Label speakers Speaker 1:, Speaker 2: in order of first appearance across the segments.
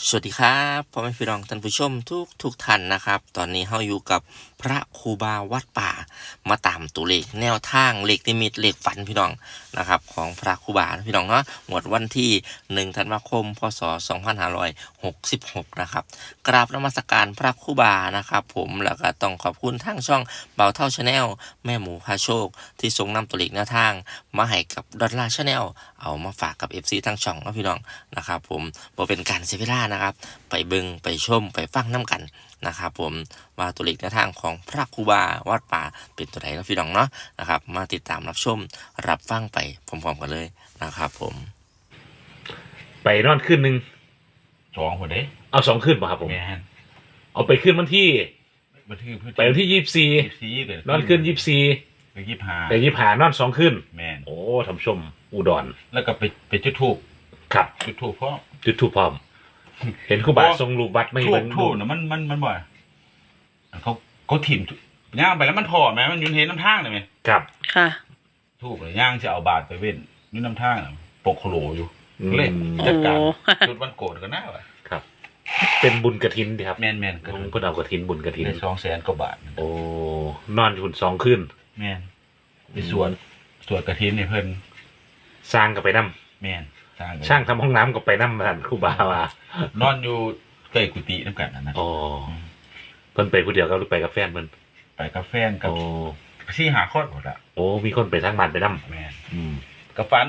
Speaker 1: สวัสดีครับพ่อแม่พี่น้องท่านผู้ชมทุกท่านนะครับตอนนี้เราอยู่กับพระครูบาวัดป่ามาตามตัวเลขแนวทางเลขนิมิตเลขฝันพี่น้องนะครับของพระครูบาพี่น้องเนาะหมดวันที่1ธันวาคมพศ2566นะครับกราบนมัสการพระครูบานะครับผมแล้วก็ต้องขอบคุณทางช่องเบาเท่าชาแนลแม่หมูพาโชคที่ส่งนำตัวเลขแนวทางมาให้กับดอลลาร์ชาแนลเอามาฝากกับ FC ทางช่องนะพี่น้องนะครับผมบ่เป็นการเสียเวลานะครับไปเบิ่งไปชมไปฟังน้ำกันนะครับผมว่าตัวเลขแนวทางของพระครูบาวัดป่าเป็นตัวไหนนะพี่น้องเนาะนะครับมาติดตามรับชมรับฟังไปพร้อมๆกันเลยนะครับผม
Speaker 2: ไปนอนคืนหนึ่ง
Speaker 3: 2คนเด้
Speaker 2: เอา2 คืนป่ะครับผม
Speaker 3: แม่น
Speaker 2: เอาไปคืนวันที่
Speaker 3: บันทึก
Speaker 2: ไปวันที่
Speaker 3: 24เกิด
Speaker 2: นอนคืน24
Speaker 3: ไป25
Speaker 2: แต่25นอน2 คืน
Speaker 3: แม่น
Speaker 2: โอ้ทำชมอุดร
Speaker 3: แล้วก็ไปจุดธูป
Speaker 2: ครับ
Speaker 3: จุดธูปเพราะ
Speaker 2: จุดธูปพร้อมเห็นครูบาทรงรูปวัดไม่
Speaker 3: ทูบน่ะมันบ่เขาถิ่มย่างไปแล้วมันพอแม่มันยืนเห็นน้ำทางได้มั้ย
Speaker 2: ครับ
Speaker 4: ค่ะ
Speaker 3: ทูบย่างจะเอาบาตรไปเว้นอยู่น้ำทางน่ะปกโคโลอยู่เลยจัดการจุดวันโกรธก็น่าว่ะ
Speaker 2: ครับเป็นบุญกฐินดีครับ
Speaker 3: แม่น
Speaker 2: ๆเพิ่นเอากฐินบุญกฐิน
Speaker 3: ได้200,000กว่าบาท
Speaker 2: โอ้นอนอยู่2 คืน
Speaker 3: แม่นไปสวดกฐินให้เพิ่น
Speaker 2: สร้างก็ไปนำ
Speaker 3: แม่น
Speaker 2: ช่างทำห้องน้ำก็ไปนำท่านครูบาว่
Speaker 3: านอนอยู่ใกล้กุฏินำกันนะ
Speaker 2: อ๋อเพิ่นไปผู้เดียวก็หรือไปกับแฟนเพิ่น
Speaker 3: ไปกับแฟนกับ4-5 คนหมดอ่ะ
Speaker 2: โอ้มีคนไปทางบ้านไปนำ
Speaker 3: แม่นก็ฝัน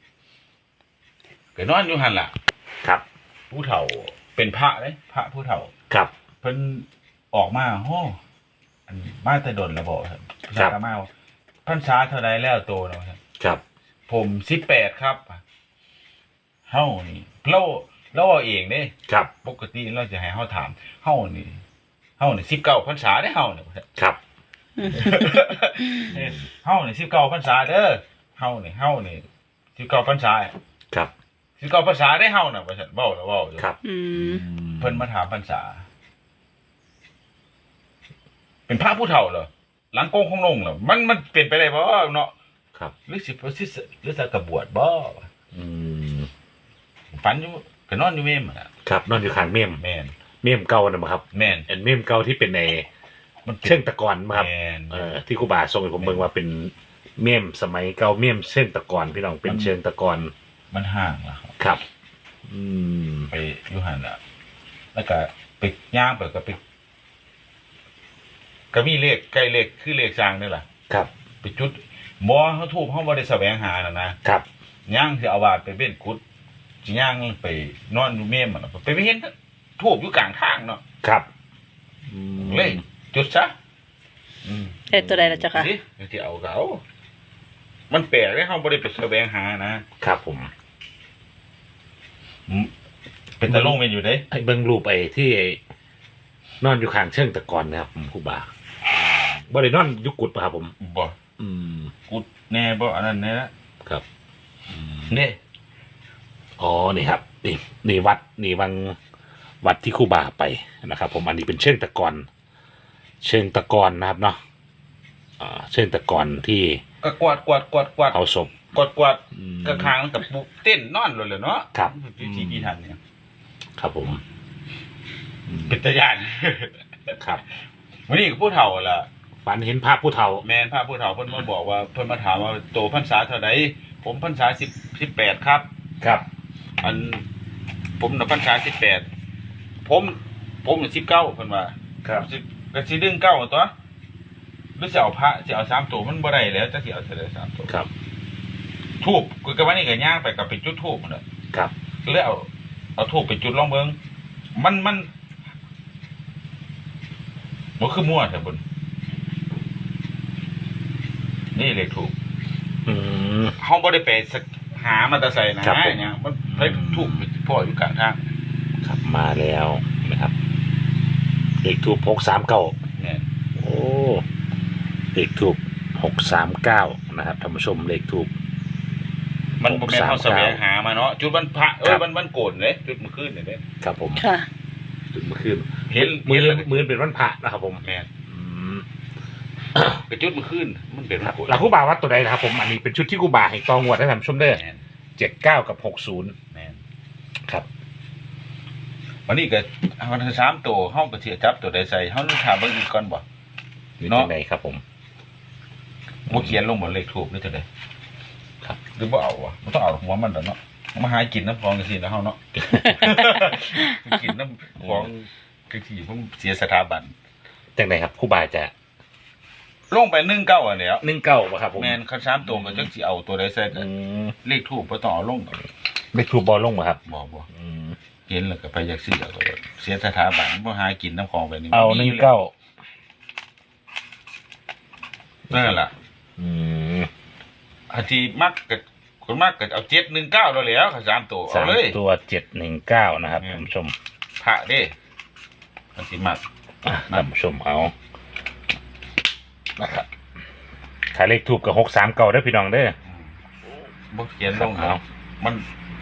Speaker 3: ก็นอนอยู่หั่นล่ะ
Speaker 2: ครับ
Speaker 3: ผู้เฒ่าเป็นพระเด้พระผู้เฒ่า
Speaker 2: ครับ
Speaker 3: เพิ่นออกมาโหอันมาแต่ดนแล้วบ่ครับมาพรรษาเท่าใดแล้วโตเนาะ
Speaker 2: ครับ
Speaker 3: ผม18ครับเฮานี่เราเอาเองเด้
Speaker 2: ครับ
Speaker 3: ปกติเราจะให้เฮาถามเฮานี่19พรรษาเด้เฮานี่
Speaker 2: ครับ
Speaker 3: เฮานี่19พรรษาเด้อเฮานี่19พรรษา
Speaker 2: ครับ
Speaker 3: 19พรรษาได้เฮาน่ะว่าซั่นเว้าแล้วเว้าอยู่
Speaker 2: ครับ
Speaker 3: เพิ่นมาถามพรรษาเป็นพระผู้เฒ่าเหรอหลังโกงของลงเหรอมันเป็นไปได้บ่เนาะ
Speaker 2: ครับ
Speaker 3: หรือสิหรือจะกระบวชบ่ฝันอยู่ก็นอนอยู่เมมอ่ะ
Speaker 2: ครับนอนอยู่ข้างเมม
Speaker 3: แม่น
Speaker 2: เมมเก่าน่ะบ่ครับ
Speaker 3: แม่น
Speaker 2: เมมเก่าที่เป็นในมันเชิงตะกอนบ่ครับที่ครูบาส่งให้ผมเบิ่งว่าเป็นเมมสมัยเก่าเมมเชิงตะกอนพี่น้องเป็นเชิงตะกอน
Speaker 3: มันห่างล่ะ
Speaker 2: ครับ
Speaker 3: ไปอยู่หั่นน่ะแล้วก็ไปย่างไปก็มีเลขใกล้เลขคือเลขสร้างนี่ล่ะ
Speaker 2: ครับ
Speaker 3: ไปจุดหมอเฮาทูบเฮาบ่ได้แสวงหาน่ะนะครับย่างสิเอาบาดไปเว้นกุดสิย่างไปนอนอยู่เมมอ่ะไปเห็นทูบอยู่กลางทางเนาะ
Speaker 2: ครับ
Speaker 3: เลยจุดซะ
Speaker 4: ตัวใดล่ะเจ้าค่ะ
Speaker 3: สิเอาก็เอามันแปลกเด้เฮาบ่ได้ไปแสวงหา
Speaker 2: นะครับผม
Speaker 3: เป็นตะลงเป็นอยู่เด้
Speaker 2: ให้เบิ่งรูปไอ้ที่นอนอยู่ข้างเชิงตะกอนนะครับครูบาบ่ได้นอนอยู่กุดป่ะครับผม
Speaker 3: บ่กุดแน่บ่อันนั้นแน่
Speaker 2: ครับ
Speaker 3: นี่
Speaker 2: อ๋อนี่ครับนี่วัดนี่วัดที่ครูบาไปนะครับผมอันนี้เป็นเชิงตะกอนนะครับเนาะเชิงตะกอนที่
Speaker 3: ก็กวาด
Speaker 2: เอาศพ
Speaker 3: กวาดกระคางกับปุ๊บเต้นนอนเลยเนาะ
Speaker 2: ครับ
Speaker 3: ที่ทันเนี่ย
Speaker 2: ครับผม
Speaker 3: เป็นตาญาณ
Speaker 2: ครับ
Speaker 3: วันนี้ผู้เฒ่าล่ะ
Speaker 2: ฝันเห็นภาพผู้เฒ่า
Speaker 3: แม่นภาพผู้เฒ่าเพิ่นมาบอกว่าเพิ่นมาถามว่าโตพรรษาเท่าใดผมพรรษา18ครับ
Speaker 2: ครับ
Speaker 3: อันผมน่ะพรรษา18ผมน่ะ19เพิ่นว่า
Speaker 2: ครับ
Speaker 3: ก็สิดึง9ตัวหรือสิเอาพระสิเอา3ตัวมันบ่ได้แล้วจักสิเอาเท่าใด3ตัว
Speaker 2: ครับ
Speaker 3: ทูบก็วันนี้ก็ย่างไปกับไปจุดทูบนั่นแหละ
Speaker 2: ครับ
Speaker 3: แล้วเอาทูบไปจุดลองเบิ่งมันบ่คือมั่วแท้บุญนี่เลขถูกเฮาบ่ได้ไปหามาแต่ไสนะเนี่ยมันไปถูกพ่ออยู่กลางทาง
Speaker 2: ครับมาแล้วนะครับเลขทูบ639
Speaker 3: เนี่ย
Speaker 2: โอ้เลขทูบ639นะครับท่านผู้ชมเลขทูบ
Speaker 3: มันบ่แม่นเฮาแสวงหามาเนาะจุดวันพระวันโกนเด้จุดมื้อคืนนี่เด้
Speaker 2: ครับผม
Speaker 4: ค่ะ
Speaker 2: จุดมื้อคืนเห็นมื้อเป็นวันพระนะครับผม
Speaker 3: แม่นเป็นจุดมื้อคืนมันเป็นวันโกน
Speaker 2: แล้วครูบาวัดตัวใดนะครับผมอันนี้เป็นชุดที่ครูบาให้ตองวดให้ท่านผู้ชมเด้อ79กับ60
Speaker 3: แม่น
Speaker 2: ครับ
Speaker 3: วันนี้ก็วันที่3ตัวเฮาก็สิจับตัวใดใส่เฮาต้องถามเบิ่งอีกก่อนบ่
Speaker 2: หรือ
Speaker 3: เนาะ
Speaker 2: จังไดครับผม
Speaker 3: บ่เขียนลงบนเลขทูปหรือจังได๋
Speaker 2: ครับ
Speaker 3: หรือบ่เอาวะบ่ต้องเอาหัวมันดอกเนาะมาหากินน้ำของจังซี่นะเฮาเนาะ กินน้ำของจังซี่ผมเสียสถาบัน
Speaker 2: จังไดครับครูบาจะ
Speaker 3: ลงไป19อันแล้ว
Speaker 2: 19บ่ครับผม
Speaker 3: แม่นคัน3ตัวก็จักสิเอาตัวใดใส่ก็
Speaker 2: อืม
Speaker 3: เลขทูปบ่ต้องเอาลงดอก
Speaker 2: เลขทูบบอลลงบ่ครับ
Speaker 3: บ่
Speaker 2: อืม
Speaker 3: เห็นแล้วก็ไปอยากซื้อเอาก็เสียสถาบันบ่หากินน้ำของแบบนี้
Speaker 2: เอา
Speaker 3: มียู่แล้ว
Speaker 2: 19
Speaker 3: นั่นล่ะ
Speaker 2: อืม
Speaker 3: อันที่มักก็คนมักก็เอา719แล้วแหล้วคัน3ตัวเอาเลย
Speaker 2: 3ตัว719นะครับท่านผู้ชม
Speaker 3: พระเด้อันที่มัก
Speaker 2: ท่านผู้ชมเอานะครับถ้าเลขทูบกับ639เด้อพี่น้องเด้อ
Speaker 3: บ่เขียนลง
Speaker 2: เอา
Speaker 3: มัน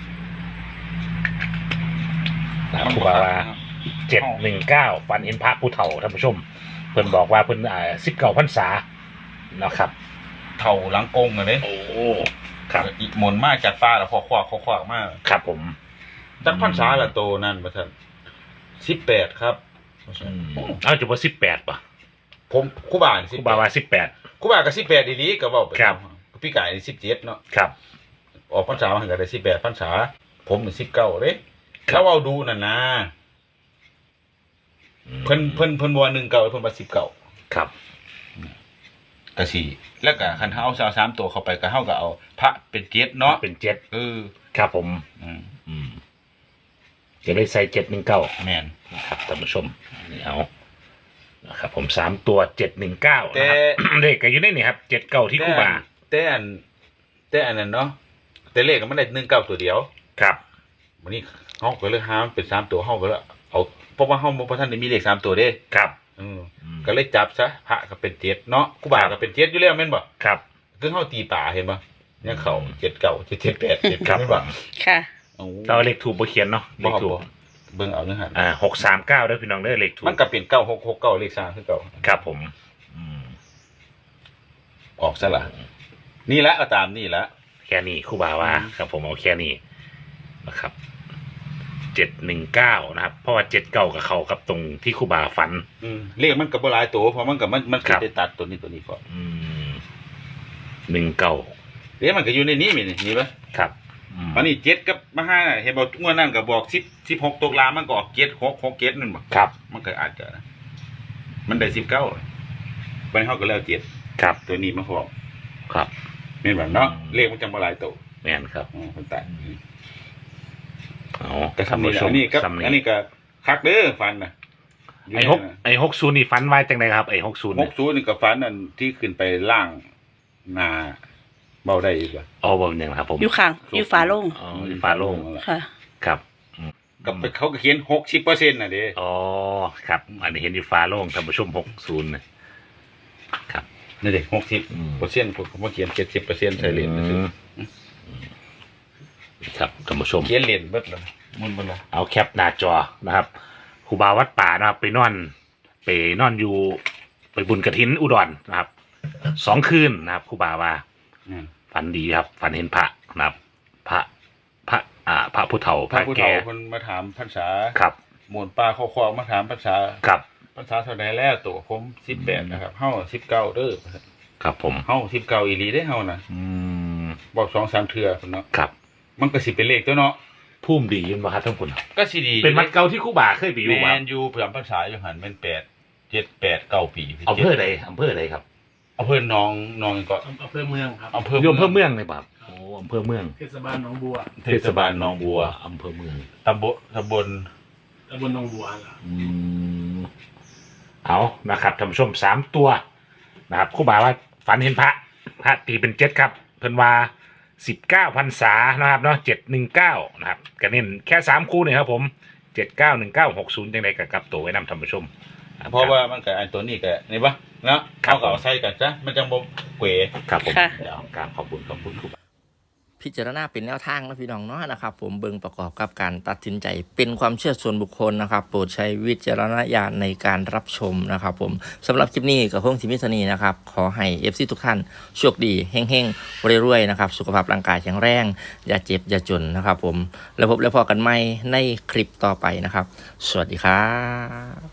Speaker 2: นะครับครูบาว่า719ฝันเห็นพระผู้เฒ่าท่านผู้ชม เพิ่นบอกว่าเพิ่น19พรรษานะครับ
Speaker 3: เท่าหลังกงอ่ะเด้
Speaker 2: โอ้ครับ
Speaker 3: อีกหมุนมาจากฟ้าแล้วควักๆๆมา
Speaker 2: ครับผม
Speaker 3: จักพรรษาละโตนั่นว่าซั่น18ครับ
Speaker 2: เอาจะว่า18ป่ะ
Speaker 3: ผมครูบานี่
Speaker 2: ครูบาว่า18
Speaker 3: ครูบาก็18ดีๆก็เว้าไป
Speaker 2: ครับ
Speaker 3: พี่กายนี่17เนาะ
Speaker 2: ครับ
Speaker 3: ออกพรรษามาก็ได้18พรรษาผมนี่19เด้แล้วเอาดูนั่นนะเพิ่นบ่ว่า19เพิ่นว่า19
Speaker 2: ครับ
Speaker 3: ก็สิแล้วก็คันเฮาเอา3ตัวเข้าไปก็เฮาก็เอาพระเป็น7เนาะ
Speaker 2: เป็น7
Speaker 3: เออ
Speaker 2: ครับผม
Speaker 3: อืม
Speaker 2: จะได้ใส่719
Speaker 3: แม่น
Speaker 2: นะครับท่านผู้ชมนี่เอานะครับผม3ตัว719นะครับ
Speaker 3: แต่
Speaker 2: เลขก็อยู่ในนี่ครับ79ที่ครูบา
Speaker 3: แต่อันนั้นเนาะแต่เลขมันได้19ตัวเดียว
Speaker 2: ครับ
Speaker 3: วันนี้เฮาก็เลยหามันเป็น3ตัวเฮาก็เลยเอาเพราะว่าเฮาบ่ทันได้มีเลข3ตัวเด้
Speaker 2: ครับ
Speaker 3: ก็เลยจับซะพระก็เป็น7เนาะครูบาก็เป็น7อยู่แล้วแม่นบ่
Speaker 2: ครับ
Speaker 3: คือเฮาตีป่าเห็นบ่เนี่ยเขา79 778 7
Speaker 2: ครับ
Speaker 3: แม่นบ่
Speaker 4: ค่ะ
Speaker 3: โอ้
Speaker 2: เราเลขถูกบ่เขียนเนาะเล
Speaker 3: บ่
Speaker 2: ขถูก
Speaker 3: เบิ่งเอาเนื้อหา
Speaker 2: 639เด้อพี่น้องเด้อเลขถูก
Speaker 3: มันก็เป็น9669เลข3คือเก่า
Speaker 2: ครับผม
Speaker 3: ออกซะล่ะนี่ละก็ตามนี่ละ
Speaker 2: แค่นี้ครูบาว่าครับผมเอาแค่นี้นะครับ719นะครับเพราะว่า79กับเขากับตรงที่ครูบาฝัน
Speaker 3: เลขมันก็บ่หลายตัวเพราะมันก็มัน
Speaker 2: ครับ
Speaker 3: ได้ตัดตัวนี้ก่อน
Speaker 2: 19
Speaker 3: เดี๋ยวมันก็อยู่ในนี้นี่ป่ะ
Speaker 2: ครับ
Speaker 3: อันนี้7กับมา5น่ะเห็นบ่งวดนั้นก็บอก10 16ตกลามันก็ออก7 6 6 7นั่นบ่
Speaker 2: ครับ
Speaker 3: มันก็อาจจะนะมันได้19บัดนี้เฮาก็แล้ว7
Speaker 2: ครับ
Speaker 3: ตัวนี้มาพร้อม
Speaker 2: ครับ
Speaker 3: แม่นบ่เนาะเลขมันจังบ่หลายตัว
Speaker 2: แม่นครับ
Speaker 3: มันตัด
Speaker 2: เอา
Speaker 3: ก็ทำนี่แหละอันนี้ก็อันนี้ก็คักเด้อฟันน่ะ
Speaker 2: ไอ้60นี่ฝันไว้จังไดครับไอ้60เนี่ย
Speaker 3: 60นี่ก็ฟันอันที่ขึ้นไปล่างหน้าเบาได้อีกว่า
Speaker 2: เอาบ่เป็นหยังครับผม
Speaker 4: อยู่ข้างอยู่ฝาโล่ง
Speaker 2: อ๋ออยู่ฟ้าโล่ง
Speaker 4: ค่ะ
Speaker 2: ครับ
Speaker 3: กับเขาก็เขียน60%น่ะเด้
Speaker 2: อ๋อครับ อันนี้เห็นอยู่ฟ้าโล่งท่านผู้ชม60นะครับ
Speaker 3: นี่เด้60%ผมเขียน70%ใส่เหรียญซื่อ
Speaker 2: ครับท่านผู้ชม
Speaker 3: เขียนเหรียญเบิดเลยมันบ่ล่ะ
Speaker 2: เอาแคปหน้าจอนะครับครูบาวัดป่านะครับไปนอนอยู่ไปบุญกฐินอุดรนะครับ2 คืนนะครับครูบาว่าฝันดีครับฝันเห็นพระนะครับ พระผู้เฒ่า
Speaker 3: พระผู้เฒ่าเพิ่นมาถามพรรษา
Speaker 2: ครับ
Speaker 3: หมวนปลาคอๆมาถามพรรษา
Speaker 2: ครับ
Speaker 3: พรรษาเท่าใดแล้วตัวผม18นะครับเฮา19เด้อ
Speaker 2: ครับผม
Speaker 3: เฮา19อีหลีเด้เฮาน่ะบอก 2-3 เทื่อพุ่นเนาะ
Speaker 2: ครับ
Speaker 3: มันก็สิเป็นเลขตัวเนาะ
Speaker 2: พุ่มดีอยินบ่ครับท่านผู้ชม
Speaker 3: ก็สิดี
Speaker 2: เป็นวัดเก่าที่ครูบาเคยไปอยู่
Speaker 3: แม่
Speaker 2: บ่
Speaker 3: นอยู่เผื่อพรรษาอยู่หั่นแม่น8 7 8 9 ปี
Speaker 2: อำเภอใดครับ
Speaker 3: อำเภอหนองก็
Speaker 5: อำเภอเมืองครับ
Speaker 3: อำเภอ
Speaker 2: อยู่อำเภอเมืองเลยครับโอ้อำเภอเมือง
Speaker 5: เทศบาลหนองบัว
Speaker 3: เทศบาลหนองบัว
Speaker 2: อำเภอเมือง
Speaker 3: ตำบล
Speaker 5: ตำบลหนองบัวล่ะ
Speaker 2: เอานะครับท่านผู้ชม3 ตัวนะครับครูบาว่าฝันเห็นพระตีเป็น7ครับเพิ่นว่า19พรรษานะครับเนาะ719นะครับก็เน้นแค่3คู่นี่ครับผม791960จังได๋ก็กลับตัวไว้นำท่านผู้ชม
Speaker 3: เพราะว่ามันก็อันตัวนี้ก็นี่ปะเนาะ
Speaker 2: ครับ
Speaker 3: เขาก็เอาใส่กันซะมันจังบ่เกว
Speaker 2: ครับผม
Speaker 4: ค่ะ
Speaker 2: เดี๋ยวกราบขอบคุณครูบา
Speaker 1: พิจารณาเป็นแนวทางนะพี่น้องเนาะนะครับผมเบิ่งประกอบกับการตัดสินใจเป็นความเชื่อส่วนบุคคลนะครับโปรดใช้วิจารณญาณในการรับชมนะครับผมสำหรับคลิปนี้กับคงสิมิสนีนะครับขอให้ FC ทุกท่านโชคดีเฮงๆรวยๆนะครับสุขภาพร่างกายแข็งแรงอย่าเจ็บอย่าจนนะครับผมแล้วพบแล้วพอกันใหม่ในคลิปต่อไปนะครับสวัสดีครับ